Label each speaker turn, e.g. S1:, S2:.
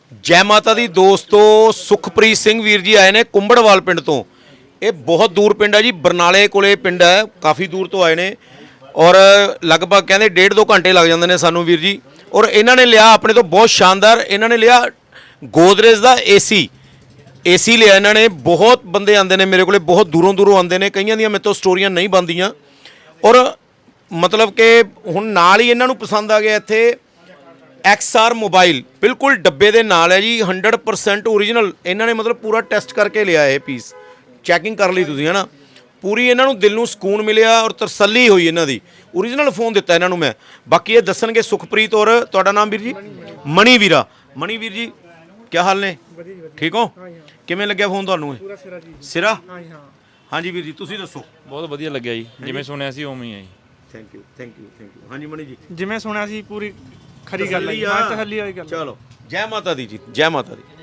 S1: ਜੈ ਮਾਤਾ ਦੀ ਦੋਸਤੋ, ਸੁਖਪ੍ਰੀਤ ਸਿੰਘ ਵੀਰ ਜੀ ਆਏ ਨੇ ਕੁੰਬੜਵਾਲ ਪਿੰਡ ਤੋਂ। ਇਹ ਬਹੁਤ ਦੂਰ ਪਿੰਡ ਹੈ ਜੀ, ਬਰਨਾਲੇ ਕੋਲੇ ਪਿੰਡ ਹੈ, ਕਾਫੀ ਦੂਰ ਤੋਂ ਆਏ ਨੇ ਔਰ ਲਗਭਗ ਕਹਿੰਦੇ 1.5-2 ਘੰਟੇ ਲੱਗ ਜਾਂਦੇ ਨੇ ਸਾਨੂੰ ਵੀਰ ਜੀ। ਔਰ ਇਹਨਾਂ ਨੇ ਲਿਆ ਆਪਣੇ ਤੋਂ ਬਹੁਤ ਸ਼ਾਨਦਾਰ, ਇਹਨਾਂ ਨੇ ਲਿਆ ਗੋਦਰੇਜ ਦਾ ਏਸੀ ਲਿਆ ਇਹਨਾਂ ਨੇ। ਬਹੁਤ ਬੰਦੇ ਆਉਂਦੇ ਨੇ ਮੇਰੇ ਕੋਲੇ, ਬਹੁਤ ਦੂਰੋਂ ਦੂਰੋਂ ਆਉਂਦੇ ਨੇ, ਕਈਆਂ ਦੀਆਂ ਮੇਰੇ ਤੋਂ ਸਟੋਰੀਆਂ ਨਹੀਂ ਬਣਦੀਆਂ। ਔਰ ਮਤਲਬ ਕਿ ਹੁਣ ਨਾਲ ਹੀ ਇਹਨਾਂ ਨੂੰ ਪਸੰਦ ਆ ਗਿਆ ਇੱਥੇ XR ਮੋਬਾਈਲ, ਬਿਲਕੁਲ ਡੱਬੇ ਦੇ ਨਾਲ ਹੈ ਜੀ, 100% ਓਰੀਜਨਲ। ਇਹਨਾਂ ਨੇ ਮਤਲਬ ਪੂਰਾ ਟੈਸਟ ਕਰਕੇ ਲਿਆ ਇਹ ਪੀਸ, ਚੈਕਿੰਗ ਕਰ ਲਈ ਤੁਸੀਂ ਹੈ ਨਾ। ਪੂਰੀ ਇਹਨਾਂ ਨੂੰ ਦਿਲ ਨੂੰ ਸਕੂਨ ਮਿਲਿਆ ਔਰ ਤਸੱਲੀ ਹੋਈ ਇਹਨਾਂ ਦੀ। ਓਰੀਜਨਲ ਫੋਨ ਦਿੱਤਾ ਇਹਨਾਂ ਨੂੰ ਮੈਂ। ਬਾਕੀ ਇਹ ਦੱਸਣਗੇ ਸੁਖਪ੍ਰੀਤ। ਔਰ ਤੁਹਾਡਾ ਨਾਮ ਵੀਰ ਜੀ? ਮਣੀ ਵੀਰਾ। ਮਣੀ ਵੀਰ ਜੀ ਕੀ ਹਾਲ ਨੇ? ਠੀਕ ਹੋ? ਕਿਵੇਂ ਲੱਗਿਆ ਫੋਨ ਤੁਹਾਨੂੰ? ਇਹ ਸਿਰਾ? ਹਾਂਜੀ ਵੀਰ ਜੀ ਤੁਸੀਂ ਦੱਸੋ।
S2: ਬਹੁਤ ਵਧੀਆ ਲੱਗਿਆ ਜੀ, ਜਿਵੇਂ ਸੁਣਿਆ ਸੀ ਉਵੇਂ ਹੀ ਹੈ ਜੀ।
S1: Thank you. ਹਾਂਜੀ ਮਣੀ ਜੀ?
S3: ਜਿਵੇਂ ਸੁਣਿਆ ਸੀ ਪੂਰੀ ਖਰੀ ਗੱਲ ਹੈ। ਹਾਂ, ਤਸੱਲੀ ਵਾਲੀ ਗੱਲ।
S1: ਚਲੋ ਜੈ ਮਾਤਾ ਦੀ ਜੀ, ਜੈ ਮਾਤਾ ਦੀ।